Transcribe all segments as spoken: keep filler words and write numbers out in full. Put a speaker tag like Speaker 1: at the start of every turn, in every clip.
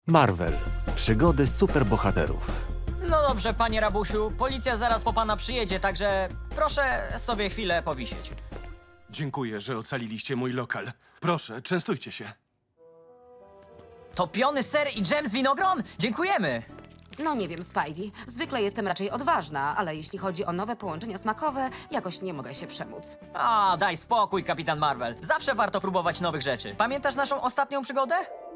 Speaker 1: Marvel. Przygody superbohaterów.
Speaker 2: No dobrze, panie rabusiu, policja zaraz po pana przyjedzie, także proszę sobie chwilę powisieć.
Speaker 3: Dziękuję, że ocaliliście mój lokal. Proszę, częstujcie się.
Speaker 2: Topiony ser i dżem z winogron? Dziękujemy!
Speaker 4: No nie wiem, Spidey. Zwykle jestem raczej odważna, ale jeśli chodzi o nowe połączenia smakowe, jakoś nie mogę się przemóc.
Speaker 2: A, daj spokój, kapitan Marvel. Zawsze warto próbować nowych rzeczy. Pamiętasz naszą ostatnią przygodę?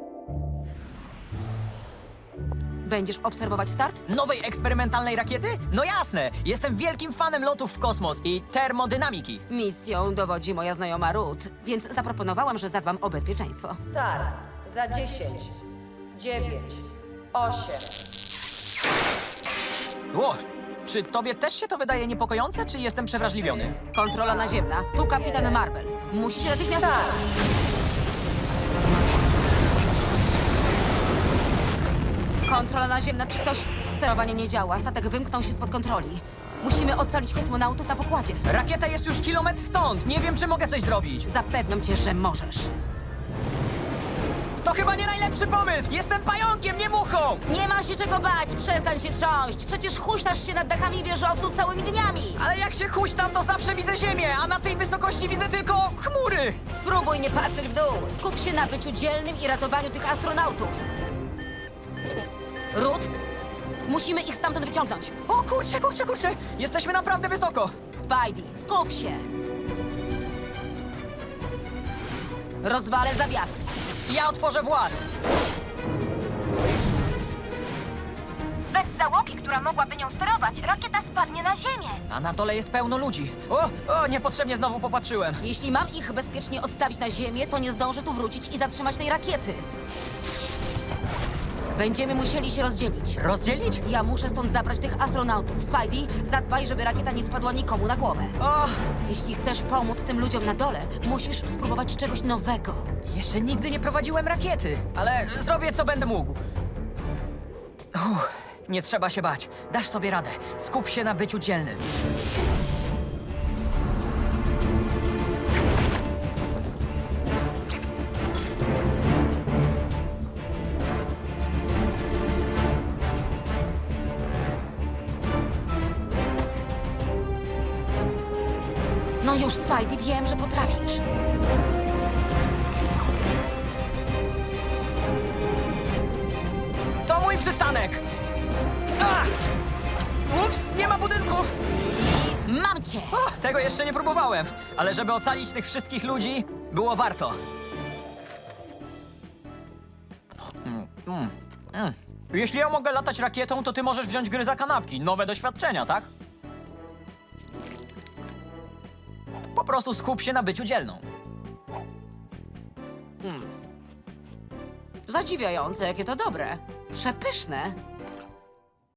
Speaker 4: Będziesz obserwować start?
Speaker 2: Nowej eksperymentalnej rakiety? No jasne! Jestem wielkim fanem lotów w kosmos i termodynamiki.
Speaker 4: Misją dowodzi moja znajoma Ruth, więc zaproponowałam, że zadbam o bezpieczeństwo.
Speaker 5: Start za dziesięć, dziewięć, osiem.
Speaker 2: Ło, czy tobie też się to wydaje niepokojące, czy jestem przewrażliwiony?
Speaker 4: Kontrola naziemna. Tu kapitan Marvel. Musicie natychmiast... Kontrola naziemna. Czy ktoś... Sterowanie nie działa. Statek wymknął się spod kontroli. Musimy ocalić kosmonautów na pokładzie.
Speaker 2: Rakieta jest już kilometr stąd. Nie wiem, czy mogę coś zrobić.
Speaker 4: Zapewniam cię, że możesz.
Speaker 2: To chyba nie najlepszy pomysł! Jestem pająkiem, nie muchą!
Speaker 4: Nie ma się czego bać. Przestań się trząść. Przecież huśtasz się nad dachami wieżowców całymi dniami.
Speaker 2: Ale jak się huśtam, to zawsze widzę ziemię, a na tej wysokości widzę tylko chmury!
Speaker 4: Spróbuj nie patrzeć w dół. Skup się na byciu dzielnym i ratowaniu tych astronautów. Ruth, musimy ich stamtąd wyciągnąć.
Speaker 2: O kurczę, kurczę, kurczę! Jesteśmy naprawdę wysoko!
Speaker 4: Spidey, skup się. Rozwalę zawiasy.
Speaker 2: Ja otworzę włas!
Speaker 6: Bez załogi, która mogłaby nią sterować, rakieta spadnie na ziemię.
Speaker 2: A na dole jest pełno ludzi. O, o, niepotrzebnie znowu popatrzyłem.
Speaker 4: Jeśli mam ich bezpiecznie odstawić na ziemię, to nie zdążę tu wrócić i zatrzymać tej rakiety. Będziemy musieli się rozdzielić.
Speaker 2: Rozdzielić?
Speaker 4: Ja muszę stąd zabrać tych astronautów. Spidey, zadbaj, żeby rakieta nie spadła nikomu na głowę.
Speaker 2: O,
Speaker 4: Jeśli chcesz pomóc tym ludziom na dole, musisz spróbować czegoś nowego.
Speaker 2: jeszcze nigdy nie prowadziłem rakiety, ale zrobię, co będę mógł. Uff, nie trzeba się bać. Dasz sobie radę. Skup się na byciu dzielnym.
Speaker 4: No już, Spidey, wiem, że potrafisz.
Speaker 2: To mój przystanek! A! Ups, nie ma budynków!
Speaker 4: I mam cię!
Speaker 2: O, tego jeszcze nie próbowałem, ale żeby ocalić tych wszystkich ludzi, było warto. Mm, mm, mm. Jeśli ja mogę latać rakietą, to ty możesz wziąć gry za kanapki. Nowe doświadczenia, tak? Po prostu skup się na byciu dzielną.
Speaker 4: Zadziwiające, jakie to dobre. Przepyszne.